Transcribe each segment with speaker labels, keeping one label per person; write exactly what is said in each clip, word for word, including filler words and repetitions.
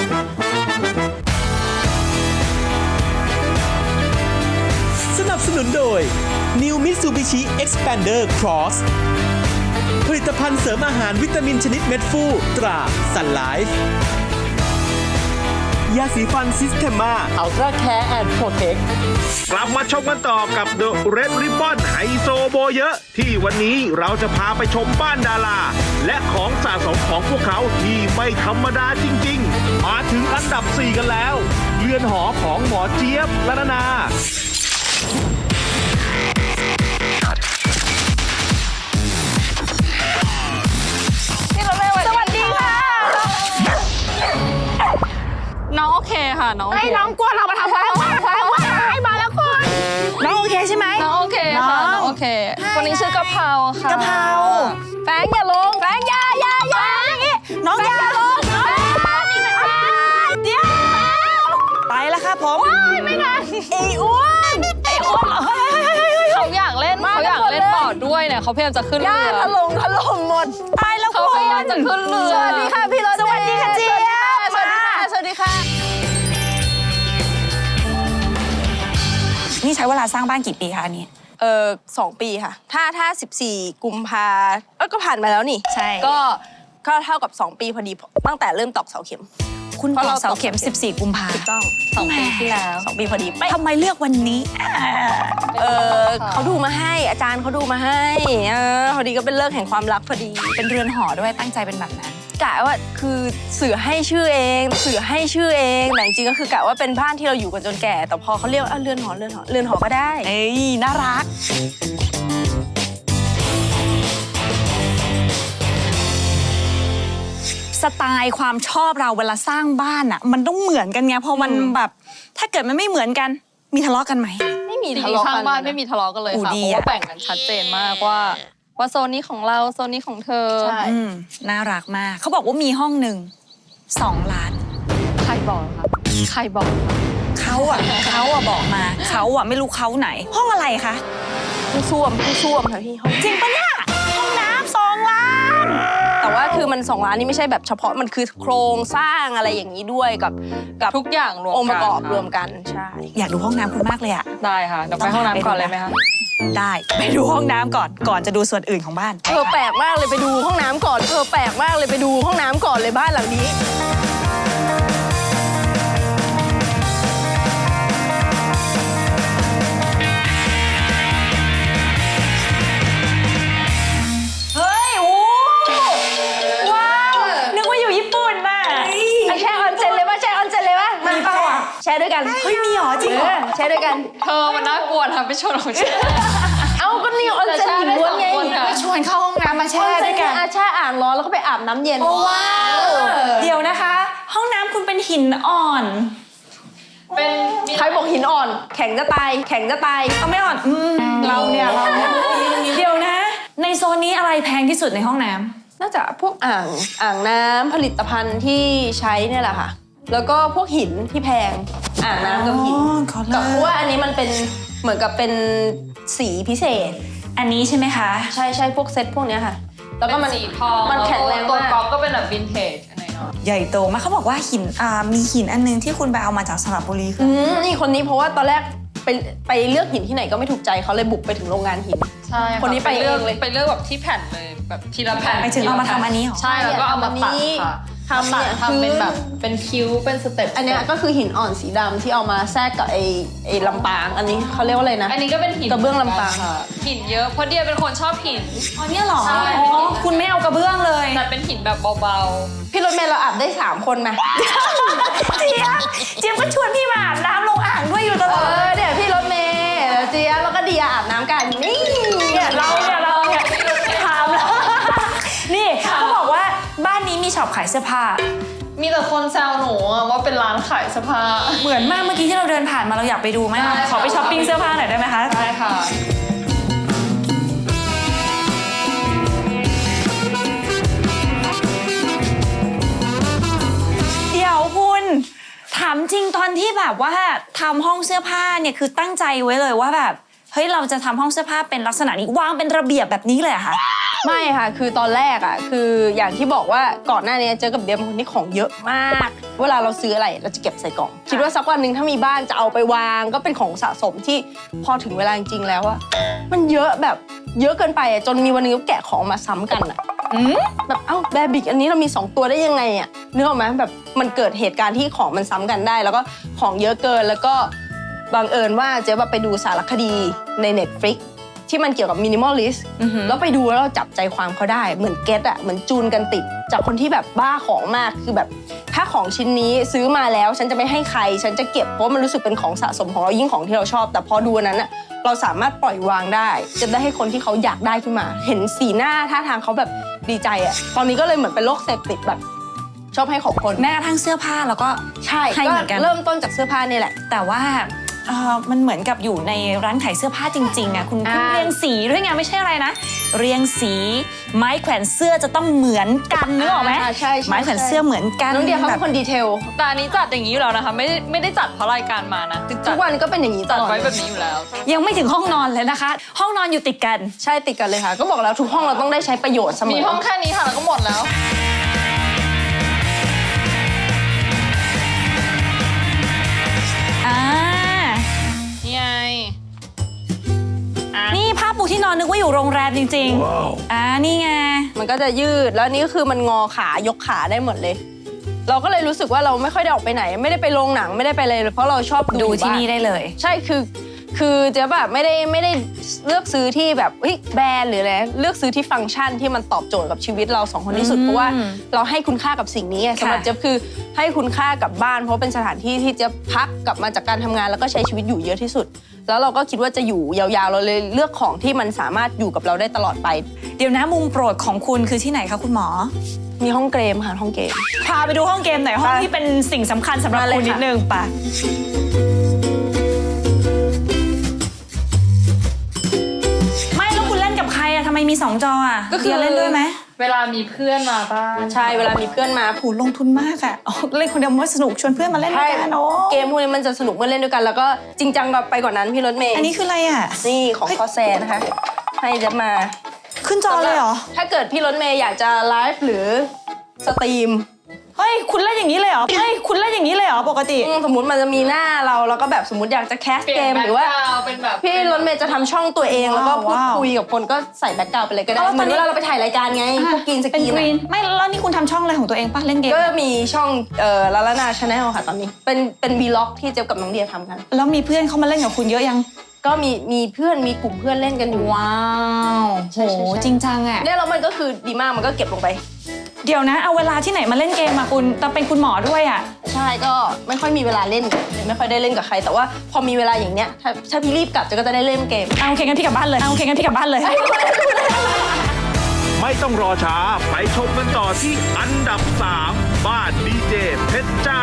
Speaker 1: สนับสนุนโดย New Mitsubishi Xpander Cross ผลิตภัณฑ์เสริมอาหารวิตามินชนิดเม็ดฟูตรา Sun Life ยาสีฟันซิสเทมาอัลตร้าแคร์แอนด์โปรเทค
Speaker 2: กลับมาชมกันต่อกับ The Red Ribbon ไฮโซโบเยอะที่วันนี้เราจะพาไปชมบ้านดาราและของสะสมของพวกเขาที่ไม่ธรรมดาจริงๆมาถึงอันดับสี่กันแล้วเรือนหอของหมอเจี๊ยบละนานา
Speaker 3: สวัสดีค่ะ
Speaker 4: น้องโอเคค่ะน้อง
Speaker 3: ไอ้น้องกลัวเรามาทำอะไรวะให้มาแล้วคุณน้องโอเคใช่ไหม
Speaker 4: น้องโอเคค่ะน้องโอเคคนนี้ชื่อกะเพราค่ะ
Speaker 3: กะเพราแฟงอย่าลงแฟงอย่าอย่าอย่าน้องอย่าลงเดี๋ยวไปแล้วครับผมไม่นานไอ้อ้วนไอ้อ้วน
Speaker 4: เขาอยากเล่นเขาอยากเล่นบอร์ดด้วยเนี่ยเขาพยายามจะขึ้นเรือ
Speaker 3: ถล่มถล่มหมดตายแล้ว
Speaker 4: เขาพยายามจะขึ้นเรือ
Speaker 3: สวัสดีค่ะพี่รถสวัสดีค่ะเจี๊ยบสวัสดีค่ะสวัสดีค่ะ
Speaker 5: นี่ใช้เวลาสร้างบ้านกี่ปีคะอันนี้
Speaker 3: เออสองปีค่ะถ้าถ้าสิบสี่กุมภาเออก็ผ่านมาแล้วนี่
Speaker 5: ใช่
Speaker 3: ก็ก็เท่ากับสองปีพอดีตั้งแต่เริ่มตอกเสาเข็ม
Speaker 5: คุณตอกเสาเข็มสิบสี่กุมภา
Speaker 3: ถูกต้อง
Speaker 5: สองปีที่แล้ว
Speaker 3: สองปีพอดี
Speaker 5: ทำไมเลือกวันนี้
Speaker 3: เออเขาดูมาให้อาจารย์เขาดูมาให้เออพอดีก็เป็นเลิกแห่งความรักพอดี
Speaker 5: เป็นเรือนหอด้วยตั้งใจเป็นแบบนั้น
Speaker 3: กะว่าคือสื่อให้ชื่อเองสื่อให้ชื่อเองแต่จริงๆก็คือกะว่าเป็นบ้านที่เราอยู่กันจนแก่แต่พอเขาเรียกว่าเรือนหอเรือนหอเรือนหอก็ได้
Speaker 5: เอ้ยน่ารักสไตล์ความชอบเราเวลาสร้างบ้านอ่ะมันต้องเหมือนกันไงพอมันแบบถ้าเกิดมันไม่เหมือนกันมีทะเลาะกันไหม
Speaker 3: ไม่มีทะเลาะกัน
Speaker 4: สร้างบ้านไม่มีทะเลาะกันเลยค่ะเพราะว่าแบ่งกันชัดเจนมากว่าว่าโซนนี้ของเราโซนนี้ของเธอ
Speaker 3: ใช่
Speaker 5: น่ารักมากเขาบอกว่ามีห้องหนึ่งสองล้าน
Speaker 4: ใครบอกครับใครบอก
Speaker 5: เขาอ่ะเขาอ่ะบอกมาเขาอ่ะไม่รู้เขาไหนห้องอะไรคะ
Speaker 3: ผู้ส้วมผู้ส้วมค่ะพี่ห้อง
Speaker 5: จริงปะเนี่ยห้องน้ำสองล้าน
Speaker 3: แต่ว่าคือมันสองล้านนี่ไม่ใช่แบบเฉพาะมันคือโครงสร้างอะไรอย่างนี้ด้วยกับกับ
Speaker 4: ทุกอย่างรวมกัน
Speaker 3: องค์ประกอบรวมกันใช่
Speaker 5: อยากดูห้องน้ำคุณมากเลยอ่ะ
Speaker 4: ได้ค่ะเดี๋ยวไปห้องน้ำก่อนเลยไหมคะ
Speaker 5: ได้ไปดูห้องน้ำก่อนก่อนจะดูส่วนอื่นของบ้าน
Speaker 3: เออแปลกมากเลยไปดูห้องน้ำก่อนเออแปลกมากเลยไปดูห้องน้ำก่อนเลยบ้านหลังนี้
Speaker 5: เฮ้ยโอ้ว้าวนึกว่าอยู่ญี่ปุ่นน่ะ
Speaker 3: แช่ออนเซ็นเลยป่ะแช่ออนเซ็นเลยป่ะมีเปล่าอ่ะแช่ด้วยกัน
Speaker 5: เฮ้ยมีหรอจริงเหรอ
Speaker 3: แช่ด้วยกัน
Speaker 4: เธอมันน่ากลัวนะไปชวนของฉัน
Speaker 3: เอาก็นี่ออนเซ็นหญิงล้วนไง
Speaker 5: ไปชวนเข้าห้องน้ำมาแช่ด้วยกัน
Speaker 3: แช่อ่างร้อนแล้วก็ไปอาบน้ำเย็น
Speaker 5: ว้าวเดี๋ยวนะคะห้องน้ำคุณเป็นหินอ่อน
Speaker 4: เป็น
Speaker 3: ใครบอกหินอ่อนแข็งจะตายแข็งจะตาย
Speaker 5: เอาไม่อ่อนเราเนี่ยเราเนี่ยเดี๋ยวนะในโซนนี้อะไรแพงที่สุดในห้องน้ำ
Speaker 3: น่าจะพวกอ่างอ่างน้ำผลิตภัณฑ์ที่ใช้เนี่ยแหละค่ะแล้วก็พวกหินที่แพงอ่างน้ำกับหินกับเพราะว่าอันนี้มันเป็นเหมือนกับเป็นสีพิเศษ
Speaker 5: อันนี้ใช่ไหมคะ
Speaker 3: ใช่ใช่พวกเซตพวกนี้ค่ะแล้วก็มัน
Speaker 4: สีทอง
Speaker 3: มันแข็งแรงมาก
Speaker 4: ตัวก๊อฟก็เป็นแบบวินเทจอะไรเนาะ
Speaker 5: ใหญ่โตมากเขาบอกว่าหินอ่ามีหินอันนึงที่คุณไปเอามาจากสระบุรีคือ
Speaker 3: นี่คนนี้เพราะว่าตอนแรกไปไปเลือกหินที่ไหนก็ไม่ถูกใจเขาเลยบุกไปถึงโรงงานหิน
Speaker 4: ใช่
Speaker 3: คนนี้ไปเลือก
Speaker 4: เลยไปเลือกแบบที่แผ่นเลยแบบทีละแผ่น
Speaker 5: ไปถึงเอามาทำอันนี้หรอ
Speaker 4: ใช่แล้วก็เอามาตัดค่ะ
Speaker 3: ทำ
Speaker 4: เนี่ยทำเป็นแบบเป็นคิ้วเป็นสเต็ป
Speaker 3: อันนี้ก็คือหินอ่อนสีดำที่เอามาแทรกกับไอ้ไอ้ลำปางอันนี้เขาเรียกว่าอะไรนะ
Speaker 4: อันนี้ก็เป็นหิน
Speaker 3: กระเบื้องลำปาง
Speaker 4: หินเยอะเพราะเดียเป็นคนชอบหิน
Speaker 5: อ๋อเนี่ยหรออ๋อคุณไม่เอากระเบื้องเลย
Speaker 4: แต่เป็นหินแบบเบา
Speaker 3: ๆพี่รถเมล์เราอาบได้สามคนไหม
Speaker 5: เจี๊ยบเจี๊ยบก็ชวนพี่มาอาบน้ำลงอ่างด้วยอยู่ตลอด
Speaker 3: เออเดี๋ยวพี่รถเมล์เจี๊ยบแล้วก็เดียอาบน้ำกันนี่
Speaker 5: เนี่ยเราเนี่ยเราเนี่ยถามแล้วนี่เขาบอกว่าบ้านนี้มีช็อปขายเสื้อผ้า
Speaker 4: มีแต่คนแซวหนูว่าเป็นร้านขายเสื้อผ้า
Speaker 5: เหมือนมากเมื่อกี้ที่เราเดินผ่านมาเราอยากไปดูไหมขอไปช้อปปิ้งเสื้อผ้าหน่อยได้ไหมคะ
Speaker 4: ได้ค่ะ
Speaker 5: เดี๋ยวคุณถามจริงตอนที่แบบว่าทำห้องเสื้อผ้าเนี่ยคือตั้งใจไว้เลยว่าแบบเฮ้ยเราจะทำห้องเสื้อผ้าเป็นลักษณะนี้วางเป็นระเบียบแบบนี้เลยอะค่ะ
Speaker 4: ไม่ค่ะ คือตอนแรกอ่ะ คืออย่างที่บอกว่าก่อนหน้านี้เจอกับเดียเป็นคนที่ของเยอะมาก เวลาเราซื้ออะไรเราจะเก็บใส่กล่อง คิดว่าสักวันหนึ่งถ้ามีบ้านจะเอาไปวางก็เป็นของสะสมที่พอถึงเวลาจริงๆแล้วอะมันเยอะแบบเยอะเกินไปอะจนมีวันหนึงก็แกะของมาซ้ำกันอะแบบเอ้าแบบิกอันนี้เรามีสองตัวได้ยังไงอะนึกออกไหมแบบมันเกิดเหตุการณ์ที่ของมันซ้ำกันได้ แล้วก็ของเยอะเกินแล้วก็บังเอิญว่าเจ๊แบบไปดูสารคดีใน Netflix ที่มันเกี่ยวกับมินิมอลลิสต์แล้วไปดูแล้วเราจับใจความเขาได้เหมือนเก็ตอะเหมือนจูนกันติดจากคนที่แบบบ้าของมากคือแบบถ้าของชิ้นนี้ซื้อมาแล้วฉันจะไม่ให้ใครฉันจะเก็บเพราะมันรู้สึกเป็นของสะสมของเรายิ่งของที่เราชอบแต่พอดูอันนั้นอะเราสามารถปล่อยวางได้จะได้ให้คนที่เขาอยากได้ขึ้นมา เห็นสีหน้าท่าทางเขาแบบดีใจอะตอนนี้ก็เลยเหมือนเป็นโรคเสพติดแบบชอบให้ของคน
Speaker 5: แม้กระทั่งเสื้อผ้าแล้วก็
Speaker 4: ใช่
Speaker 5: ให้
Speaker 4: ก็
Speaker 5: เหมือนกัน
Speaker 4: เริ่มต้นจากเสื้อผ้านี่แหละ
Speaker 5: แต่ว่าเอ่อมันเหมือนกับอยู่ในร้านขายเสื้อผ้าจริงๆอะคุณคุณ
Speaker 4: อ่า
Speaker 5: เรียงสีด้วยไงไม่ใช่อะไรนะ เรียงสีไม้แขวนเสื้อจะต้องเหมือนกันนึกออกไหม
Speaker 4: อ่าใช่ใช่
Speaker 5: ไม้แขวนเสื้อเหมือนกัน
Speaker 4: น้องเดียเขา
Speaker 5: แบ
Speaker 4: เป็
Speaker 5: บ
Speaker 4: นคนดีเทล
Speaker 6: แต่อันนี้จัดอย่างนี้อยู่แล้วนะคะ ไม่ได้ไม่ได้จัดเพราะรายการมานะคือ
Speaker 4: ทุ
Speaker 6: จัด
Speaker 4: กวันก็เป็นอย่างนี้ต
Speaker 6: จัด
Speaker 4: ลอด
Speaker 6: ไว้
Speaker 4: เลย
Speaker 6: แบบนี้อยู่แล้ว
Speaker 5: ยังไม่ถึงห้องนอนเลยนะคะ ห้องนอนอยู่ติดกัน
Speaker 4: ใช่ติดกันเลยค่ะ ก็บอกแล้วทุกห้องเราต้องได้ใช้ประโยชน์เสมอ
Speaker 6: มีห้องแค่นี้ค่ะแล้วก็หมดแล้ว
Speaker 5: อ่า
Speaker 6: นี่ไง
Speaker 5: นี่ผ้าปูที่นอนนึกว่าอยู่โรงแรมจริงๆอ่านี่ไง
Speaker 4: มันก็จะยืดแล้วนี่ก็คือมันงอขายกขาได้หมดเลย เราก็เลยรู้สึกว่าเราไม่ค่อยได้ออกไปไหน ไม่ได้ไปโรงหนังไม่ได้ไปเลยเพราะเราชอบดู
Speaker 5: ดู
Speaker 4: อยู่
Speaker 5: ที่
Speaker 4: บ้า
Speaker 5: นี่ได้เลย
Speaker 4: ใช่คือคือเจ๊แบบไม่ได้ไม่ได้เลือกซื้อที่แบบเฮ้ยแบรนด์หรืออะไรเลือกซื้อที่ฟังก์ชันที่มันตอบโจทย์กับชีวิตเราสองคนที่สุด
Speaker 5: อืม
Speaker 4: เพราะว่าเราให้คุณค่ากับสิ่งนี้ไง
Speaker 5: ค่ะ
Speaker 4: สำหรับเจ๊คือให้คุณค่ากับบ้าน เพราะเป็นสถานที่ที่เจ๊พักกลับมาจากการทำงานแล้วก็ใช้ชีวิตอยู่เยอะที่สุด แล้วเราก็คิดว่าจะอยู่ยาวๆเราเลยเลือกของที่มันสามารถอยู่กับเราได้ตลอดไป
Speaker 5: เดี๋ยวนะมุมโปรดของคุณคือที่ไหนคะคุณหมอ
Speaker 4: มีห้องเกมค่ะห้องเกม
Speaker 5: พาไปดูห้องเกมหน่อยห้อง
Speaker 4: ไป
Speaker 5: ที่เป็นสิ่งสำคัญสำหรับ
Speaker 4: มาเลย
Speaker 5: คุณนิด
Speaker 4: ค่ะ
Speaker 5: นึงป่ะไม่แล้วคุณเล่นกับใครอะทำไมมีสองจออะ
Speaker 4: ก็คือ
Speaker 5: เดียเล่นด้วยไหม
Speaker 6: เวลามีเพื่อนมาบ้าน
Speaker 4: ใช่เวลามีเพื่อนมา
Speaker 5: โหลงทุนมากอะอ๋อเล่นคนเดียวไม่สนุกชวนเพื่อนมาเล่นด้วยกันโอ้
Speaker 4: เกมพวกนี้มันจะสนุกเมื่อเล่นด้วยกัน แล้วก็จริงจังแบบไปกว่านั้นพี่รถเมย์
Speaker 5: อันนี้คืออะไรอะ
Speaker 4: นี่ของคอแซนะคะ ให้เจะมา
Speaker 5: ขึ้นจอเลยเหรอ
Speaker 4: ถ้าเกิดพี่รถเมย์อยากจะไลฟ์หรือสตรีม
Speaker 5: เฮ้ยคุณเล่นอย่างนี้เลยเหรอเฮ้ยคุณเล่นอย่างนี้เลยเหรอปกติ
Speaker 4: อืมสมมติมันจะมีหน้าเราแล้วก็แบบสมมติอยากจะแคส
Speaker 6: เปลี่ย
Speaker 4: เก
Speaker 6: น
Speaker 4: ม
Speaker 6: แบ็
Speaker 4: ห
Speaker 6: ค
Speaker 4: รือว่า
Speaker 6: กราวด์เป็นแบบ
Speaker 4: พี่รถเมย์จะทำช่องตัวเองแล้วก็พูด
Speaker 5: ว้าว
Speaker 4: คุยกับคนก็ใส่แบ็คกราวด์ไปเลยก็ได้
Speaker 5: เอาแล้ว
Speaker 4: เห
Speaker 5: ต
Speaker 4: มื
Speaker 5: อ
Speaker 4: อน น
Speaker 5: นี้
Speaker 4: เวลาเราไปถ่ายรายการไงพวกกินส
Speaker 5: เป็น
Speaker 4: กีน
Speaker 5: กรีน
Speaker 4: อะ
Speaker 5: ไม่แล้วนี่คุณทำช่องอะไรของตัวเองป่ะเล่นเกม
Speaker 4: ก็มีช่องเอ่อลาลานาชาแนลค่ะตอนนี้ เป็นเป็นวีล็อกที่เจ๊กับน้องเดียทำกัน
Speaker 5: แล้วมีเพื่อนเข้ามาเล่นกับคุณเยอะยัง
Speaker 4: ก็มีมีเพื่อนมีกลุ่มเพื่อนเล่นกันอยู่
Speaker 5: ว้าว
Speaker 4: ใช่
Speaker 5: โห
Speaker 4: ใช่ใช่
Speaker 5: จริงจังอะ
Speaker 4: เนี่ยแล้วมันก็คือดีมากมันก็เก็บลงไป
Speaker 5: เดี๋ยวนะเอาเวลาที่ไหนมาเล่นเกมอะคุณแต่เป็นคุณหมอด้วยอะ
Speaker 4: ใช่ก็ไม่ค่อยมีเวลาเล่นไม่ค่อยได้เล่นกับใคร แต่ว่าพอมีเวลาอย่างเนี้ยถ้าถ้าพี่รีบกลับเจะก็จะได้เล่นเกม
Speaker 5: เอาโอเคงั้นพี่กลับบ้านเลยเอาโอเคงั้นพี่กลับบ้านเลย
Speaker 2: ไม่ต้องรอช้าไปชมกันต่อที่อันดับสามบ้านดีเจเพชรจ้า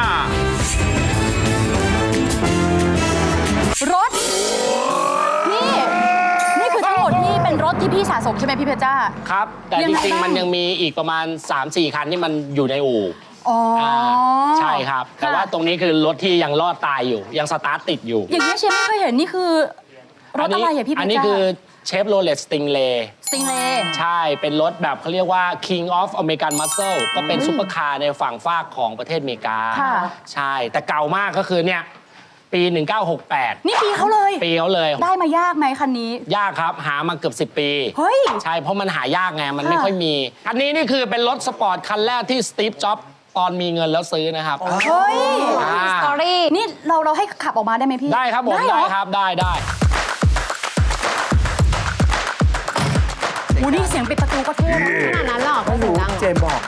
Speaker 7: รถ นี่ นี่คือทั้งหมดนี่เป็นรถที่พี่สะสมใช่ไหมพี่เพชรจ้า
Speaker 8: ครับ แต่
Speaker 7: ยั
Speaker 8: จ
Speaker 7: งไง
Speaker 8: ริง
Speaker 7: บ้าง
Speaker 8: ๆ มันยังมีอีกประมาณ สามสี่ คันที่มันอยู่ในอู่
Speaker 7: อ๋ออา
Speaker 8: ใช่ครับ แต่ว่าตรงนี้คือรถที่ยังรอดตายอยู่ ยังสตาร์ทติดอยู่
Speaker 7: อย่างนี้ยเชฟไม่เคยเห็นนี่คือ รถอะไรอ่ะพี่เพชรจ้า
Speaker 8: อันนี้คือเชฟโรเลตสติงเล
Speaker 7: สติงเลย์
Speaker 8: ใช่ เป็นรถแบบเขาเรียกว่า King of American Muscle ก็เป็นซุปเปอร์คาร์ในฝั่งฝากของประเทศอเมริกา
Speaker 7: ค่ะ
Speaker 8: ใช่ แต่เก่ามากก็คือเนี่ย ปี หนึ่งเก้าหกแปด
Speaker 7: นี่ปีเขาเลย
Speaker 8: ปีเขาเลย
Speaker 7: ได้มายากไหมคันนี้
Speaker 8: ยากครับ หามาเกือบสิบ ปี
Speaker 7: เฮ้ย
Speaker 8: ใช่ เพราะมันหายากไง มัน
Speaker 7: ค่ะ
Speaker 8: ไม่ค่อยมี อันนี้นี่คือเป็นรถสปอร์ตคันแรกที่สตีฟ จ็อบส์ตอนมีเงินแล้วซื้อนะครับ
Speaker 7: เฮ้ย
Speaker 8: อ่า
Speaker 7: สตอรี่นี่เราเราให้ขับออกมาได้ไหมพี่
Speaker 8: ได้ครับผม
Speaker 7: เหร
Speaker 8: ได้
Speaker 7: อ
Speaker 8: ครับ ได้ได้
Speaker 7: โอ้นี่เสียงปิดประตูก็เท่ขนาดนั้นหรอไม่รู้เจมบอก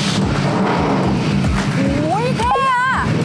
Speaker 7: โอ้ยเท่อะ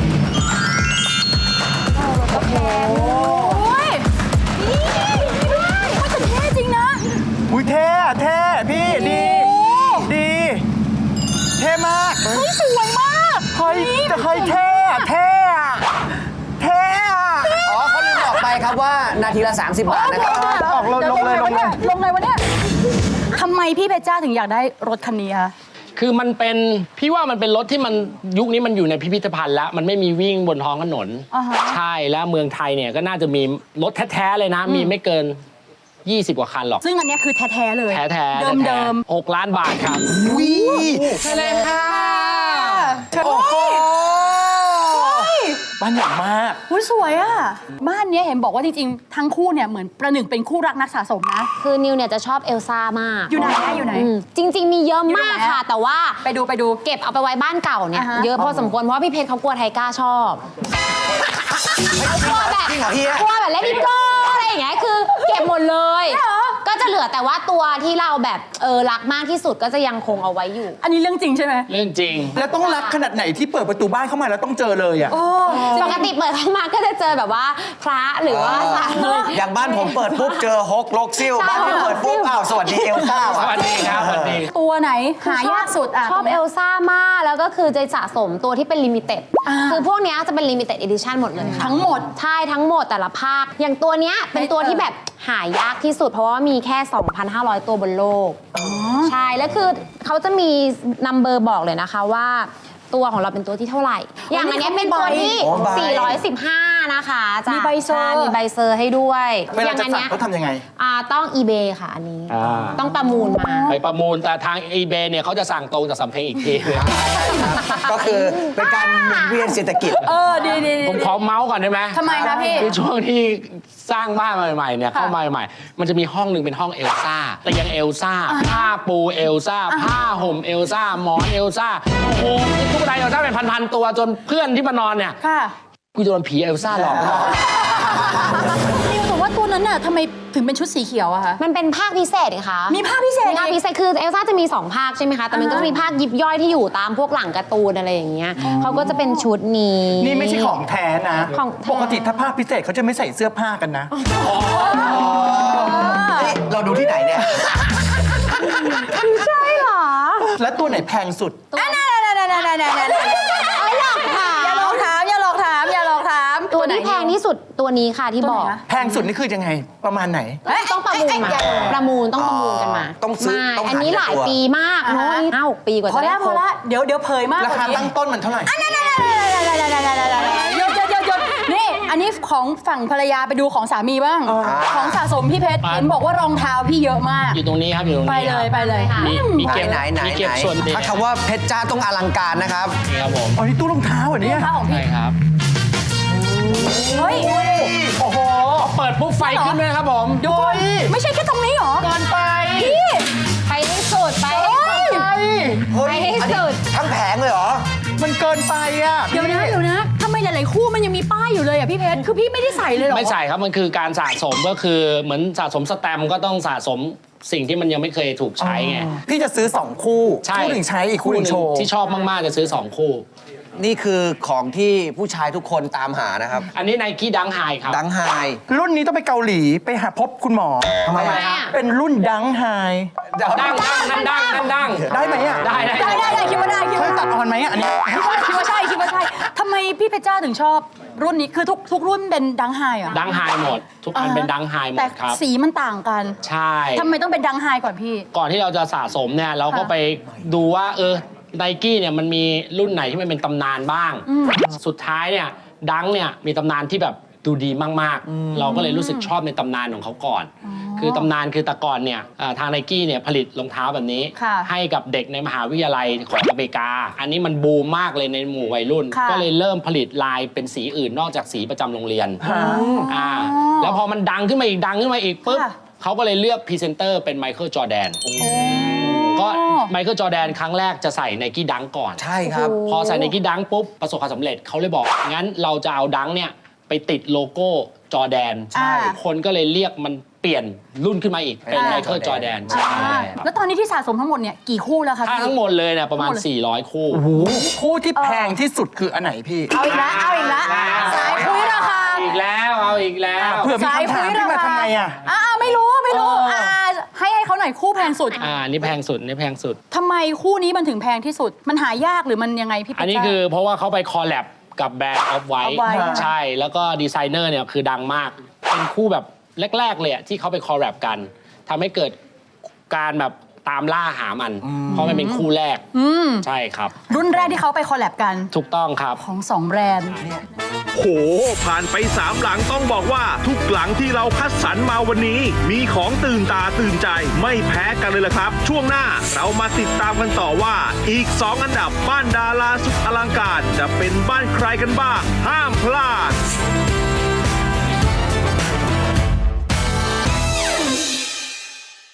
Speaker 7: โอ้โหโอ้ยนี่นี่ด้วยมันจะเท่จริงนะ
Speaker 9: อุ้ยเท่อะเท่พี่ดี ดี เท่มาก
Speaker 7: เฮ้ยสวยมาก
Speaker 9: เฮ้ยจะเคยเท่อะเท่อะเท่อะ
Speaker 10: อ๋อเขาลืมบอกไปครับว่านาทีละ สามสิบ บาทนะครับ
Speaker 9: ออกลงลงเลยลงเลย
Speaker 7: ลงเลยวะเนี่ยทำไมพี่เพชรจ้าถึงอยากได้รถคันนี้คะ
Speaker 8: คือมันเป็นพี่ว่ามันเป็นรถที่มันยุคนี้มันอยู่ในพิพิธภัณฑ์แล้ว มันไม่มีวิ่งบนท้องถนน
Speaker 7: อ่าฮะ
Speaker 8: ใช่แล้วเมืองไทยเนี่ยก็น่าจะมีรถแท้ๆเลยนะ มีไม่เกินยี่สิบ กว่าคันหรอก
Speaker 7: ซึ่งอันเนี้ยคือแท้ๆเลย
Speaker 8: แท้แท้
Speaker 7: เดิมเดิม
Speaker 8: หกล้านบาทครับ
Speaker 9: วิ
Speaker 8: ใช่เลยค่ะ
Speaker 9: โอ้โหบ้านใหญ่มาก
Speaker 7: อุ้ยสวยอ่ะ บ้านเนี้ยเห็นบอกว่าจริงๆ ทั้งคู่เนี่ยเหมือนประหนึ่งเป็นคู่รักนักสะสมนะ
Speaker 11: คือนิวเนี่ยจะชอบเอลซ่ามาก
Speaker 7: อยู่ไหนอะอยู่ไหน
Speaker 11: มจริง ๆ มีเยอะ
Speaker 7: อยู่
Speaker 11: มาก
Speaker 7: ไหนอะ
Speaker 11: ค่ะ แต่ว่า
Speaker 7: ไปดูไปดู
Speaker 11: เก็บเอาไปไว้บ้านเก่าเนี่ย
Speaker 7: อ่าฮะ
Speaker 11: เยอะพอสมควรเพราะว่าพี่เพชรเขากลัวไทก้าชอบกลัวแบบ
Speaker 10: จริงเหรอเฮีย
Speaker 11: กลัวแบบเลดี้โก้อะไรอย่างเงี้ยคือเก็บหมดเลย ก็จะเหลือแต่ว่าตัวที่เราแบบเออรักมากที่สุดก็จะยังคงเอาไว้อยู่
Speaker 7: อันนี้เรื่องจริงใช่ไหม
Speaker 8: เรื่องจริง
Speaker 9: แล้วต้องรักขนาดไหนที่เปิดประตูบ้านเข้ามาแล้วต้องเจอเลยอ่ะ
Speaker 11: ปกติเปิดเข้ามาก็จะเจอแบบว่าพระหรือว่าสามี
Speaker 10: อย่างบ้านผมเปิดปุ๊บเจอฮกลกซิ่วบ้านพี่เปิดปุ๊บอ้าวสวัสดีเอลซ่า
Speaker 8: ส
Speaker 10: ว่ะ
Speaker 8: วัสดีครับสวัสดี
Speaker 7: ตัวไหนหายากสุดอ่ะ
Speaker 11: ชอบ
Speaker 7: ตรงนี้
Speaker 11: เอย ลซ่ามากแล้วก็คือจะสะสมตัวที่เป็นลิมิเต็ด
Speaker 7: อ่า
Speaker 11: คือพวกเนี้ยจะเป็นลิมิเต็ดเอดิชันหมดเลยค่ะ
Speaker 7: ทั้งหมด
Speaker 11: ใช่ทั้งหมดแต่ละภาค อย่างตัวเนี้ยเป็นตัวที่แบบหายากที่สุด เพราะว่ามีแค่ สองพันห้าร้อย ตัวบนโลกใช่แล้วคือเขาจะมีนัมเบอร์บอกเลยนะคะว่า ตัวของเราเป็นตัวที่เท่าไหร่ อย่างอันเนี้ยเป็นตัวที่
Speaker 10: โอ้ใบ
Speaker 11: สี่ร้อยสิบห้า นะคะจ้ะ
Speaker 7: มีใบเซอร์
Speaker 11: ใช่มีใบเซอร์ให้ด้วย
Speaker 9: เวลาจะ
Speaker 11: ย่งอัน
Speaker 9: สั่ง
Speaker 11: เนี้ย
Speaker 9: เขาทำยังไง
Speaker 11: อ่าต้อง eBay ค่ะอันนี้
Speaker 8: อ่า
Speaker 11: ต้องประมูลมา
Speaker 8: ไปประมูลแต่ทาง eBay เนี่ยเขาจะสั่งตรงจากสำเพ็งอีกทีนึง
Speaker 10: ก็คือเป็นการหมุนเวียนเศรษฐกิจ
Speaker 7: เออ ดีดีดี
Speaker 8: ผมขอเมาส์ก่อนได้ไหม
Speaker 7: ทำไมคะพี่
Speaker 8: คือช่วงที่สร้างบ้านใหม่ๆเนี่ยเข้ามาใหม่ๆมันจะมีห้องหนึ่งเป็นห้องเอลซ่าเตียงเอลซ่าผ้าปูเอลซ่าผ้าห่มเอลซ่าหมอนเอลซ่าโอ้โหทุกใดเอลซ่าเป็นพันๆตัวจนเพื่อนที่มานอนเนี่ย
Speaker 7: ค่ะ
Speaker 8: กูจะโดนผีเอลซ่าหลอก
Speaker 7: นิวแต่ว่าตัวนั้นน่ะทำไมถึงเป็นชุดสีเขียวอะคะ
Speaker 11: มันเป็นภาคพิเศษไงคะ
Speaker 7: มีภาคพิเศษ
Speaker 11: มีภาคพิเศษคือเอลซ่าจะมี สอง ภาคใช่ไหมคะ แต่มันก็จะมีภาคยิบย่อยที่อยู่ตามพวกหลังการ์ตูนอะไรอย่างเงี้ยเขาก็จะเป็นชุดนี้
Speaker 9: นี่ไม่ใช่ของแท้นะ
Speaker 11: ของแท้
Speaker 9: ปกติถ้าภาคพิเศษเขาจะไม่ใส่เสื้อผ้ากันนะ
Speaker 10: นี่เราดูที่ไหนเนี่ย
Speaker 11: ใช่เหรอ
Speaker 9: แล้วตัวไหนแพงสุด
Speaker 7: อ่ะนั่นนั่นนั่นนั่นนั่นนั่นนั่น
Speaker 11: เอาหลอกถาม
Speaker 7: อย่าหลอกถามอย่าหลอกถามอย่าหลอกถาม
Speaker 11: ตัวที่แพงที่สุดตัวนี้ค่ะที่บอก
Speaker 9: แพงสุดนี่คือยังไง ประมาณไหน
Speaker 11: ต้องประมูลมา ประมูลต้องประมูลกันมา
Speaker 10: ต้องซื้อ
Speaker 11: ไม่
Speaker 10: ต้องหา
Speaker 11: อันนี้หลาย
Speaker 10: ตัว
Speaker 11: ปีมากเนาะห้าหกปีกว่า
Speaker 7: พอ
Speaker 11: จะได้
Speaker 7: แล้วพอแล้วเดี๋ยวเดี๋ยวเผยมาก
Speaker 9: ราคา
Speaker 7: ว่นี้
Speaker 9: ตั้งต้นมันเท่าไหร่
Speaker 7: หยดหยดหยดหยดนี่อันนี้ของฝั่งภรรยาไปดูของสามีบ้าง ของสะสมพี่เพชร
Speaker 8: อ่า
Speaker 7: เห็นบอกว่ารองเท้าพี่เยอะมาก
Speaker 8: อยู่ตรงนี้ครับอยู่ตรงนี้
Speaker 7: ไปเลยไปเลย
Speaker 8: มีมี
Speaker 10: ไหน
Speaker 8: เก็บ
Speaker 10: ไหนไหน
Speaker 8: มีเก็บ
Speaker 10: ไหน
Speaker 8: ส่วนเด็ก
Speaker 10: ถ้าคำว่าเพชรจ้าต้องอลังการนะครับ
Speaker 8: นี่ครับผม
Speaker 9: อ๋อ นี่ตู้รองเท้าเหรอเนี่ย
Speaker 7: รองเท้าของพี่
Speaker 8: ใช่ครับ
Speaker 7: เฮ้ย
Speaker 9: โอ้โห
Speaker 8: เปิดปุ๊บไฟขึ้นเลยครับผม
Speaker 7: ดูก่อนไม่ใช่แค่ตรงนี้หรอ
Speaker 9: เกินไป
Speaker 7: พี่
Speaker 11: ไปให้สุดไปให้สุด
Speaker 9: ไป
Speaker 10: เฮ้ย
Speaker 11: ไปให้
Speaker 10: อันนี้
Speaker 11: สุด
Speaker 10: ทั้งแผงเลยเหรอ
Speaker 9: มันเกินไปอ่ะ
Speaker 7: เดี๋ยวนะเดี๋ยวนะทำไมหลายๆคู่มันยังมีป้ายอยู่เลยอ่ะพี่เพชรคือพี่ไม่ได้ใส่เลยเหรอ
Speaker 8: ไม่ใส่ครับ มันคือการสะสมก็คือเหมือนสะสมสแตมป์ก็ต้องสะสมสิ่งที่มันยังไม่เคยถูกใช้ไง
Speaker 9: พี่จะซื้อสองคู่
Speaker 8: ใช่
Speaker 9: คู่หนึ่งใช้อีกคู่หนึ่งโชว์
Speaker 8: ที่ชอบมาก ๆ จะซื้อ 2 คู่
Speaker 10: นี่คือของที่ผู้ชายทุกคนตามหานะครับ
Speaker 8: อันนี้ไนกี้ดังไฮครับ
Speaker 10: ดังไฮ
Speaker 9: รุ่นนี้ต้องไปเกาหลีไปหาพบคุณหมอ
Speaker 10: ทำไม
Speaker 11: ทำไม
Speaker 10: อะ
Speaker 11: อะ
Speaker 9: เป็นรุ่นดังไฮ
Speaker 8: ดังดังนั่นดังนั่นดัง
Speaker 9: ได้ไหมอ่ะ
Speaker 8: ได้ได้
Speaker 7: ได้ได้ได้คิดว่าได้คิด
Speaker 9: เคย
Speaker 7: ว่า
Speaker 9: ตัดออนไหมอ่ะอันนี้
Speaker 7: คิดว่าคิดว่าใช่คิดว่าใช่ทำไมพี่เพชรจ้าถึงชอบรุ่นนี้คือทุกทุกรุ่นเป็นดังไฮเหรอ
Speaker 8: ดังไฮหมด ทุกอันเป็นดังไฮหม
Speaker 7: แต่
Speaker 8: ดครับ
Speaker 7: สีมันต่างกัน
Speaker 8: ใช่
Speaker 7: ทำไมต้องเป็นดังไฮก่อนพี่
Speaker 8: ก่อนที่เราจะสะสมเนี่ยเราก็
Speaker 7: ค่ะ
Speaker 8: ไปดูว่าเออไนกี้เนี่ยมันมีรุ่นไหนที่มันเป็นตำนานบ้าง สุดท้ายเนี่ยดังเนี่ยมีตำนานที่แบบดูดีมากๆ เราก็เลยรู้สึกชอบในตำนานของเขาก่อน คือตำนานคือแต่ก่อนเนี่ยเอ่อทางไนกี้เนี่ยผลิตรองเท้าแบบนี้
Speaker 7: ค่ะ
Speaker 8: ให้กับเด็กในมหาวิทยาลัยของอเมริกา อันนี้มันบูมมากเลยในหมู่วัยรุ่น
Speaker 7: ค่ะ
Speaker 8: ก็เลยเริ่มผลิตลายเป็นสีอื่นนอกจากสีประจำโรงเรียนอ่าแล้วพอมันดังขึ้นมาอีกดังขึ้นมาอีกปุ๊บ
Speaker 7: ค่ะ
Speaker 8: เขาก็เลยเลือกพรีเซนเตอร์เป็นไมเคิลจอร์แดน ก็ไมเคิลจอร์แดนครั้งแรกจะใส่ไนกี้ดังก่อน
Speaker 10: ใช่ครับ
Speaker 8: พอใส่ไนกี้ดังปุ๊บ ประสบความสำเร็จเขาเลยบอก งั้นเราจะเอาดังเนี่ย ไปติดโลโก้จอร์แดน
Speaker 7: ใช่
Speaker 8: คนก็เลยเรียกมันเปลี่ยนรุ่นขึ้นมาอีก เป็นไมเคิลจอร์แดนใช่
Speaker 7: อ่าแล้วตอนนี้ที่สะสมทั้งหมดเนี่ยกี่คู่แล้วคะ
Speaker 8: ถ้า
Speaker 7: พี่
Speaker 8: ทั้งหมดเลยเนี่ยประมาณ
Speaker 7: ทั้งหมดเลย
Speaker 8: สี่ร้อย คู่
Speaker 9: โอ้โหคู่ที่แพงที่สุดคืออันไหนพี่
Speaker 7: เอาอีกแล้วเอาอีกแล้วสายคุยราคา
Speaker 8: อีกแล้ว เอาอีกแล้ว
Speaker 9: เผื่อมีคำถามขึ้นมาทำไงอ่ะ
Speaker 7: อ่าไม่รู้ไม่รู้อ่าให้ให้เขาหน่อยคู่แพงสุด
Speaker 8: อ่า นี่แพงสุด นี่แพงสุด
Speaker 7: ทำไมคู่นี้มันถึงแพงที่สุด มันหายากหรือมันยังไงพี่เพชร
Speaker 8: อันนี้คือเพราะว่าเขาไปคอลแลบกับแบรนด์ออฟไวท์
Speaker 7: Off-White
Speaker 8: ใช่ แล้วก็ดีไซเนอร์เนี่ยคือดังมาก เป็นคู่แบบแรก ๆ เลยอะที่เขาไปคอลแลบกันทำให้เกิดการแบบตามล่าหามัน เพราะมันเป็นคู่แรก
Speaker 7: อืม
Speaker 8: ใช่ครับ
Speaker 7: รุ่นแรกที่เขาไปคอลแลบกัน
Speaker 8: ถูกต้องครับ
Speaker 7: ของสองแบรนด์
Speaker 2: โห ผ่านไปสามหลังต้องบอกว่าทุกหลังที่เราคัดสรรมาวันนี้ มีของตื่นตาตื่นใจไม่แพ้กันเลยล่ะครับ ช่วงหน้าเรามาติดตามกันต่อว่าอีกสองอันดับบ้านดาราสุดอลังการจะเป็นบ้านใครกันบ้าง ห้ามพลาด